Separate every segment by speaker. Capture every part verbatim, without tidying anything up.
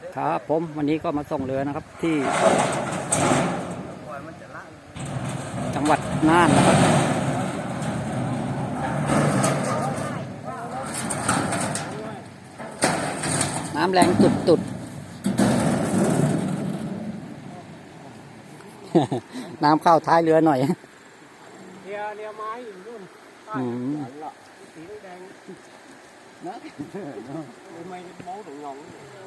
Speaker 1: ครับผมวันนี้ก็มาส่งเรือนะครับที่จังหวัดน่านนะครับน้ำแรงตุดๆ น้ำเข้าท้ายเรือหน่อย
Speaker 2: เรือเรือไม้อยู่นู่นสีแดงนะไม่มองถึงหลง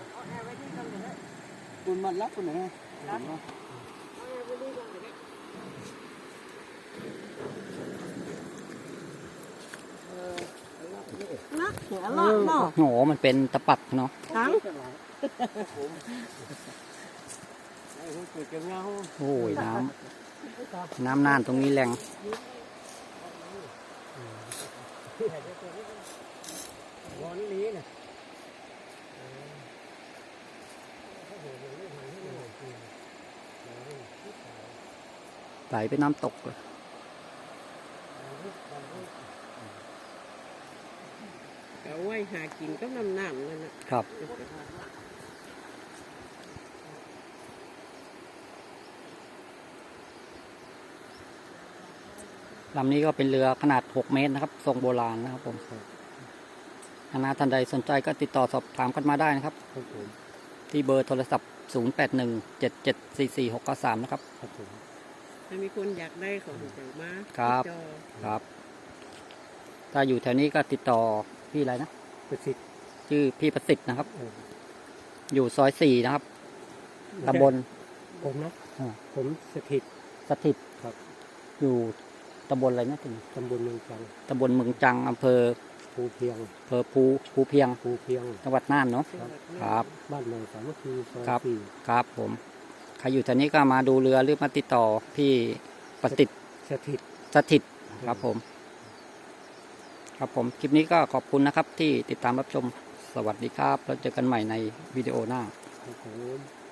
Speaker 2: คุณมันรับคุณไหนรับนักเสียรอดเนาะ
Speaker 1: โหมันเป็นตะปักเนาะ
Speaker 2: ทั้ง
Speaker 1: โอ้ยน้ำน้ำน่านตรงนี้แรงไหลไปน้ำตกเลย
Speaker 2: เอาไว้หากินก็น้ำน้ำนั่น
Speaker 1: นะครับลำนี้ก็เป็นเรือขนาดหกเมตรนะครับทรงโบราณนะครับผมถ้าท่านใดสนใจก็ติดต่อสอบถามกันมาได้นะครับที่เบอร์โทรศัพท์ศูนย์ แปด หนึ่ง เจ็ด เจ็ด สี่ สี่ หก เก้า สามนะครับ
Speaker 2: ถ้ามีคนอยากได้ของเจ้ามา
Speaker 1: ครับครับถ้าอยู่แถวนี้ก็ติดต่อพี่อะไรนะ
Speaker 2: ประสิทธิ์
Speaker 1: ชื่อพี่ประสิทธิ์นะครับอยู่ซอยสี่นะครับตำบล
Speaker 2: ผมนะผมสถิต
Speaker 1: สถิตครับอยู่ตำบลอะไรนะถึง
Speaker 2: ตำบลเมืองจัง
Speaker 1: ตำบลเมืองจังอำเภอ
Speaker 2: ภูเพียง
Speaker 1: อำเภอภูภูเพียง
Speaker 2: ภูเพียง
Speaker 1: จังหวัดน่านเนาะครับ
Speaker 2: บ้านเมืองสามัคคีซอย
Speaker 1: สี่ครับผมใครอยู่แถวนี้ก็มาดูเรือหรือมาติดต่อพี่ประสิทธิ์
Speaker 2: สถิต
Speaker 1: สถิตครับผมครับผมคลิปนี้ก็ขอบคุณนะครับที่ติดตามรับชมสวัสดีครับแล้วเจอกันใหม่ในวิดีโอหน้า
Speaker 2: ครับผม